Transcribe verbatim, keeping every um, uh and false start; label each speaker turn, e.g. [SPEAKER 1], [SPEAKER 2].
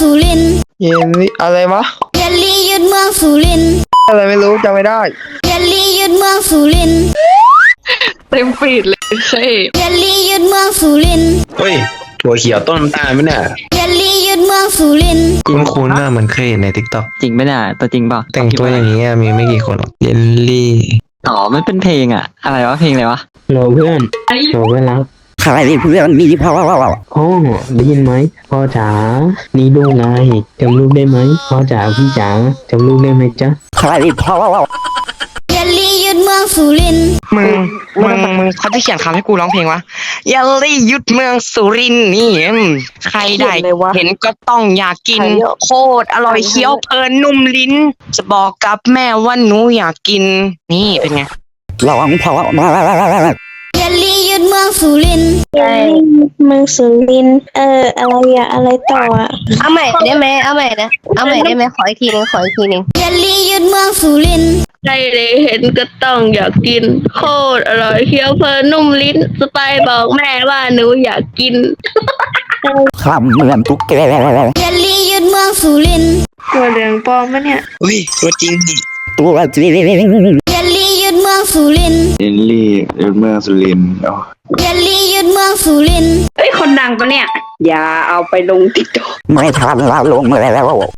[SPEAKER 1] สุรินทร์
[SPEAKER 2] เยลลี่อะไรวะ
[SPEAKER 1] เยลลี่ยึดเมืองสุรินทร์
[SPEAKER 2] อะไรไม่รู้จำไม่ได้
[SPEAKER 1] เยลลี่ยึดเมืองสุรินทร์
[SPEAKER 3] เต็มฟีดเลยเซ่
[SPEAKER 1] เยลลี่ยึดเมืองสุรินทร์
[SPEAKER 4] เฮ้ยถั่วเขียวต้นน้ำตาลไหมเนี่ย
[SPEAKER 1] เยลลี่ยึดเมืองสุรินทร์
[SPEAKER 5] คุ้นคุ้นๆน่ะเหมือนเคยเห็นในทิกตอก
[SPEAKER 6] จริงไหมเนี่ยตัวจริงเปล่า
[SPEAKER 5] แต่งตัวอย่างนี้อะมีไม่กี่คนหรอกเยลลี่
[SPEAKER 6] อ๋อมันเป็นเพลงอะอะไรวะเพลงอะไรวะ
[SPEAKER 7] โหลเพื่อนโหลเพื่อนรัก
[SPEAKER 8] ใครเพื่อนมีพ่อ
[SPEAKER 7] โอ้ได้ยินไหมพ่อจ๋านี่ดูไงจำลูกได้ไหมพ่อจ๋าพี่จ๋าจำลูกได้ไหมจ๊ะ
[SPEAKER 8] ใครพ่อ
[SPEAKER 1] เยลลี่ยึดเมืองสุรินทร์
[SPEAKER 2] มึงมึงมึงเขาจะเขียนคำให้กูร้องเพลงวะเยลลี่ยุดเมืองสุรินทร์นี่อืมใครได้เห็นก็ต้องอยากกินโคตรอร่อยเคี้ยวเพลินนุ่มลิ้น จะบอกกับแม่ว่าหนูอยากกินนี่เป็นไง
[SPEAKER 8] ลองพ่อมา
[SPEAKER 1] เยลลี่ยึดเมืองสุรินทร์
[SPEAKER 9] ใช่เมืองสุรินทร์เอออะไรอะอะไรต่ออะ
[SPEAKER 10] เอาใหม่ได้ไหมเอาใหม่นะเอาใหม่ได้ไหมขออีกทีนึงขออีกทีนึง
[SPEAKER 1] เยลลี่ยึดเมืองสุรินทร์
[SPEAKER 3] ใครได้เห็นก็ต้องอยากกินโคตรอร่อยเคี้ยวเพลินนุ่มลิ้นสไปบอกแม่ว่าหนูอยากกิน
[SPEAKER 8] คำเหมือนตุ๊กแก
[SPEAKER 1] เยลลี่ยึดเมืองสุรินทร์
[SPEAKER 3] ตัวเหลืองปลอมปะเนี่ย
[SPEAKER 2] อุ้ยตัวจริงนี่
[SPEAKER 8] ตัวจริง
[SPEAKER 1] เยลลี่ยึดเมืองสุรินทร์
[SPEAKER 4] เยลลี่เมืองสุรินทร์อ๋อ
[SPEAKER 1] เยลลี่ยึดเมืองสุรินทร์
[SPEAKER 3] เอ้ยคนดังปะเนี่ย อย่าเอาไปลงติ๊กต็อก
[SPEAKER 8] ไม่ทันเราลงแล้ว